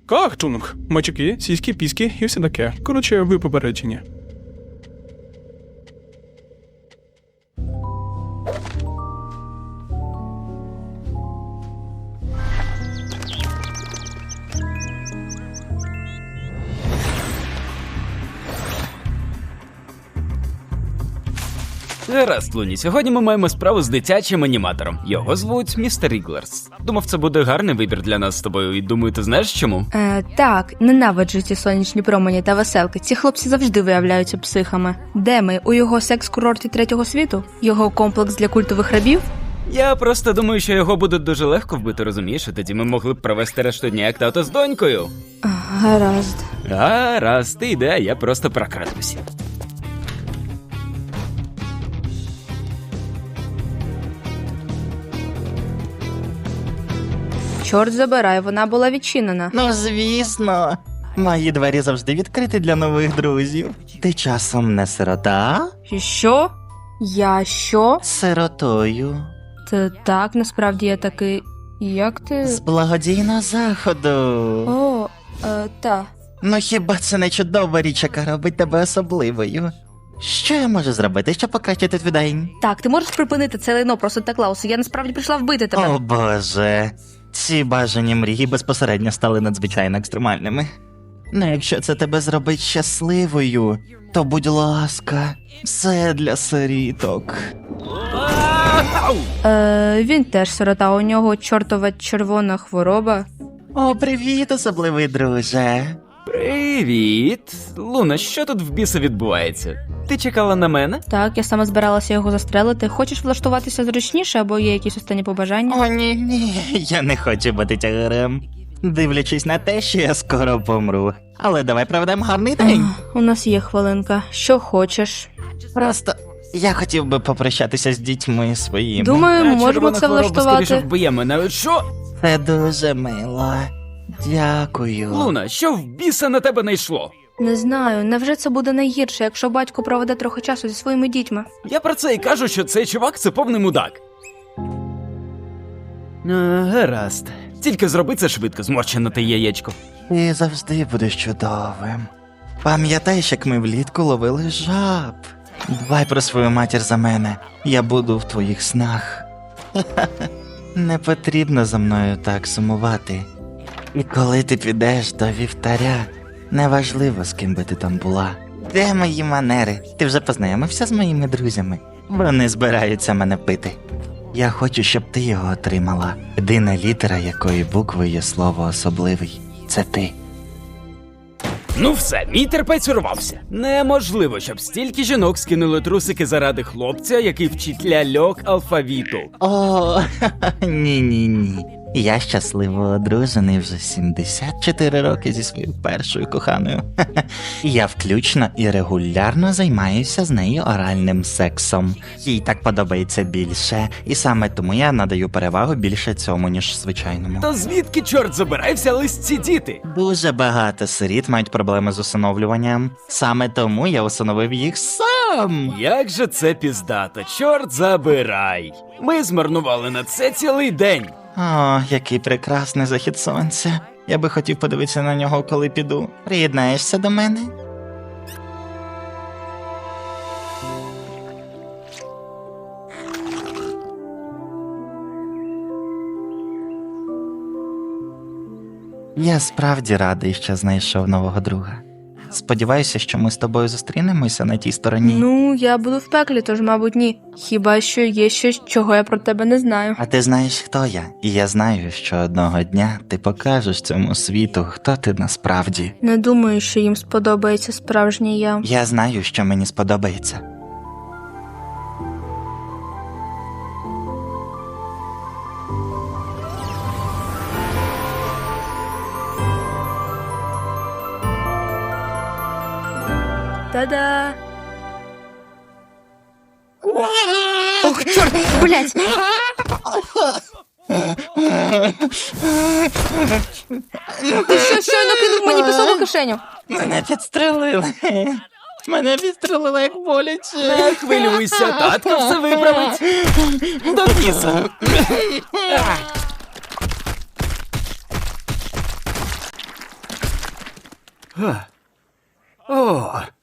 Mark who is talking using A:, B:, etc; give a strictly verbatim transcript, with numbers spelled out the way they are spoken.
A: Кахтунг. Мачуки, сіськи, піски і все таке. Коротше, ви попереджені.
B: Гаразд, Луні, сьогодні ми маємо справу з дитячим аніматором. Його звуть містер Іглерс. Думав, це буде гарний вибір для нас з тобою, і думаю, ти знаєш чому?
C: Е, так, ненавиджу ці сонячні промені та веселки. Ці хлопці завжди виявляються психами. Де ми? У його секс-курорті третього світу? Його комплекс для культових рабів?
B: Я просто думаю, що його буде дуже легко вбити, розумієш? І тоді ми могли б провести решту дня як тато з донькою.
C: Гаразд.
B: Гаразд, ти йде, а я просто прокрадуся.
C: Чорт забирай, вона була відчинена.
D: Ну, звісно. Мої двері завжди відкриті для нових друзів. Ти часом не сирота?
C: І що? Я що?
D: Сиротою.
C: Та так, насправді я такий... Як ти?
D: З благодійного заходу.
C: О, е, та.
D: Ну хіба це не чудова річ, яка робить тебе особливою? Що я можу зробити, щоб покращити твій день?
C: Так, ти можеш припинити це лайно просто так, Лаусу. Я насправді прийшла вбити тебе.
D: О боже. Ці бажані мрії безпосередньо стали надзвичайно екстремальними. Ну, якщо це тебе зробить щасливою, то будь ласка, все для сиріток.
C: Е, він теж сирота, у нього чортова червона хвороба.
D: О, привіт, особливий друже.
B: Привіт! Луна, що тут в біса відбувається? Ти чекала на мене?
C: Так, я саме збиралася його застрелити. Хочеш влаштуватися зручніше, або є якісь останні побажання?
D: О, ні, ні, я не хочу бути тягарем. Дивлячись на те, що я скоро помру. Але давай проведемо гарний день.
C: Ах, у нас є хвилинка. Що хочеш?
D: Просто я хотів би попрощатися з дітьми своїми.
C: Думаю, ми
B: А,
C: можемо
B: червона
C: це
B: хвороба скоріше
C: влаштувати.
B: вб'є мене. Що?
D: Це дуже мило. Дякую.
B: Луна, що в біса на тебе найшло?
C: Не знаю, невже це буде найгірше, якщо батько проведе трохи часу зі своїми дітьми?
B: Я про це і кажу, що цей чувак – це повний мудак. А, гаразд. Тільки зроби це швидко, зморщене те яєчко.
D: Ти завжди будеш чудовим. Пам'ятаєш, як ми влітку ловили жаб? Дбай про свою матір за мене. Я буду в твоїх снах. Не потрібно за мною так сумувати. І коли ти підеш до вівтаря, неважливо, з ким би ти там була. Де мої манери? Ти вже познайомився з моїми друзями? Вони збираються мене пити. Я хочу, щоб ти його отримала. Єдина літера, якої букви є слово особливий. Це ти.
B: Ну все, мій терпець урвався. Неможливо, щоб стільки жінок скинули трусики заради хлопця, який вчить ляльок алфавіту.
D: О, ні-ні-ні. Я щасливо одружений вже сімдесят чотири роки зі своєю першою коханою. Я включно і регулярно займаюся з нею оральним сексом. Їй так подобається більше, і саме тому я надаю перевагу більше цьому, ніж звичайному.
B: То звідки, чорт забирай, взялись ці діти?
D: Дуже багато сиріт мають проблеми з усиновлюванням. Саме тому я усиновив їх сам.
B: Як же це піздато, чорт забирай. Ми змарнували на це цілий день.
D: О, який прекрасний захід сонця. Я би хотів подивитися на нього, коли піду. Приєднаєшся до мене? Я справді радий, що знайшов нового друга. Сподіваюся, що ми з тобою зустрінемося на тій стороні.
C: Ну, я буду в пеклі, тож, мабуть, ні. Хіба що є щось, чого я про тебе не знаю.
D: А ти знаєш, хто я? І я знаю, що одного дня ти покажеш цьому світу, хто ти насправді.
C: Не думаю, що їм сподобається справжнє я.
D: Я знаю, що мені сподобається.
C: Та-да! Ох, чорт, блять! Ти що, щойно кинув мені пісок у кишеню?
D: Мене підстрелили. Мене підстрелили, як боляче.
B: Не хвилюйся, татко все виправить. До біса. О,